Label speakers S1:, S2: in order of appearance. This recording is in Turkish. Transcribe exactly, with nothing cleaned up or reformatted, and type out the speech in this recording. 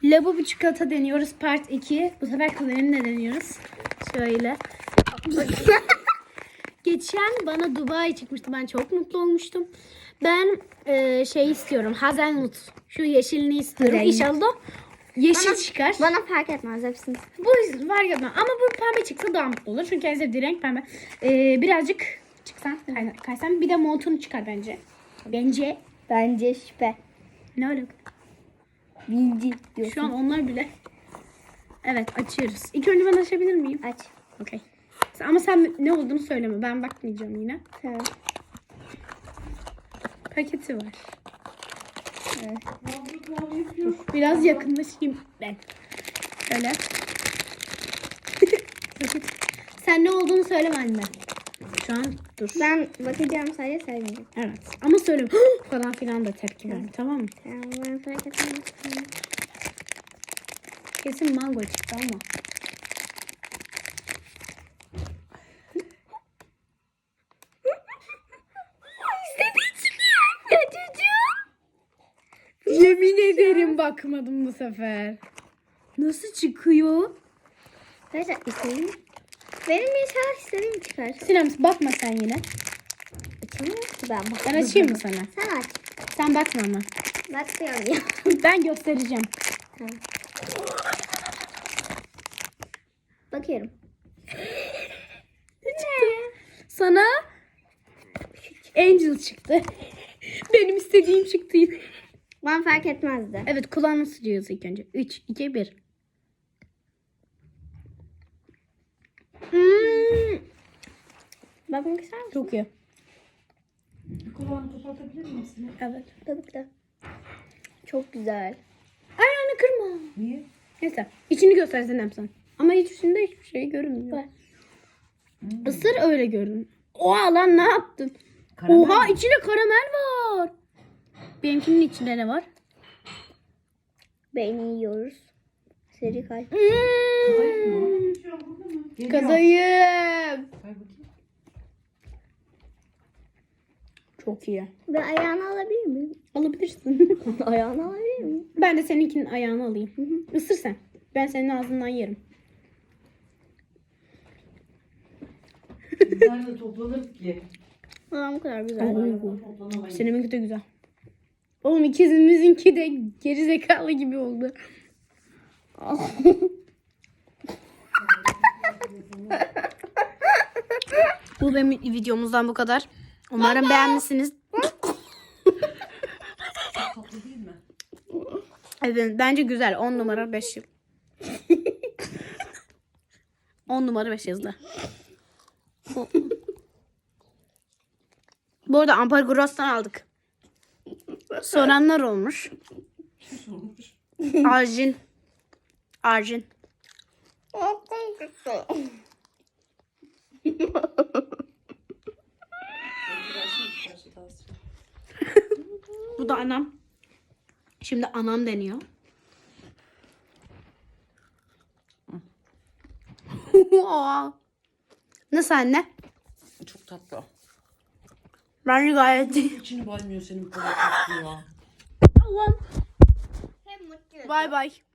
S1: Labubu çikolata deniyoruz part iki. Bu sefer kalemle deniyoruz. Şöyle. Geçen bana Dubai çıkmıştı. Ben çok mutlu olmuştum. Ben e, şey istiyorum. Hazelnut. Şu yeşilini istiyorum.
S2: Renk.
S1: İnşallah yeşil
S2: Bana-
S1: çıkar.
S2: Bana fark etmez hepsini.
S1: Bu var ya da ama bu pembe çıksa daha mutlu olur. Çünkü en sevdiği renk pembe. Ee, birazcık çıksan, kay- kaysan bir de montunu çıkar bence. Bence.
S2: Bence şüphe.
S1: Ne öyle?
S2: Bildi diyorsun.
S1: Şu an onlar bile. Evet, açıyoruz. İlk önce ben açabilir miyim?
S2: Aç.
S1: Okey. Ama sen ne olduğunu söyleme. Ben bakmayacağım yine.
S2: Tamam.
S1: Paketi var.
S2: Evet.
S1: Biraz yakınlaşayım ben. Şöyle. Paket. Sen ne olduğunu söyleme anne. Şu an dur.
S2: Ben bakacağım sadece saymayacağım.
S1: Evet. Ama söyleme. Falan filan da tepki verme. Tamam mı?
S2: Tamam, ben fark etmez.
S1: Kesin mango çıktı ama. Yemin ederim bakmadım bu sefer. Nasıl çıkıyor?
S2: Arkadaşlar istediğim. Benim inşallah istediğim çıkar.
S1: Sinem bakma sen yine.
S2: Açamıyorum ki ben. Bak.
S1: Ben açayım mı sana?
S2: Sen aç.
S1: Sen bakma ama.
S2: Bakmıyorum ya.
S1: Ben göstereceğim.
S2: Tamam. Bakıyorum.
S1: Sana Angel çıktı. Benim istediğim çıktı.
S2: Ben fark etmezdi.
S1: Evet, kulağını sürüyoruz ilk önce. üç, iki, bir. Hmm,
S2: Bakmak ister misin?
S1: çok iyi.
S3: Kulağını kapatabilir misin?
S1: Evet.
S2: Tabii ki de. Çok güzel.
S1: Ayağını kırma.
S3: Niye?
S1: Neyse. İçini göstersen hem sen. Ama içinde hiçbir şey görünmüyor.
S2: Var.
S1: Isır öyle görün. Oha lan, ne yaptın?
S3: Karamel
S1: Oha,
S3: mi?
S1: içinde karamel var. Benimkinin içinde ne var?
S2: Beyni yiyoruz. Seri kalp.
S3: Kadayıf mı?
S1: Hmm,
S3: Geliyor.
S1: Kadayıf.
S3: Say bakayım.
S1: Çok iyi.
S2: Ben ayağını alabilir miyim?
S1: Alabilirsin.
S2: Ayağını alabilir miyim?
S1: Ben de seninkinin ayağını alayım. Isır sen. Ben senin ağzından yerim.
S3: Biz nerede toplanırız ki?
S2: Aa, bu kadar güzel.
S1: Oo.
S3: Toplanamayız.
S1: Seninki de güzel. Oğlum ikizimizinki de geri zekalı gibi oldu. Bu benim videomuzdan bu kadar. Umarım beğenmişsiniz.
S3: Tatlı değil mi?
S1: Evet, bence güzel. on numara beş yıl. on numara beş yazdı. Bu arada Amparagolas'tan aldık. Soranlar olmuş.
S3: Kim sormuş?
S1: Arjin. Arjin. Bu da anam. Şimdi anam deniyor. Nasıl anne?
S3: Çok tatlı.
S1: Bence gayet iyi.
S3: İçini baymıyor senin bu kadar tatlı ya.
S1: Allah'ım.
S2: Hem mutlu.
S1: Bay bay.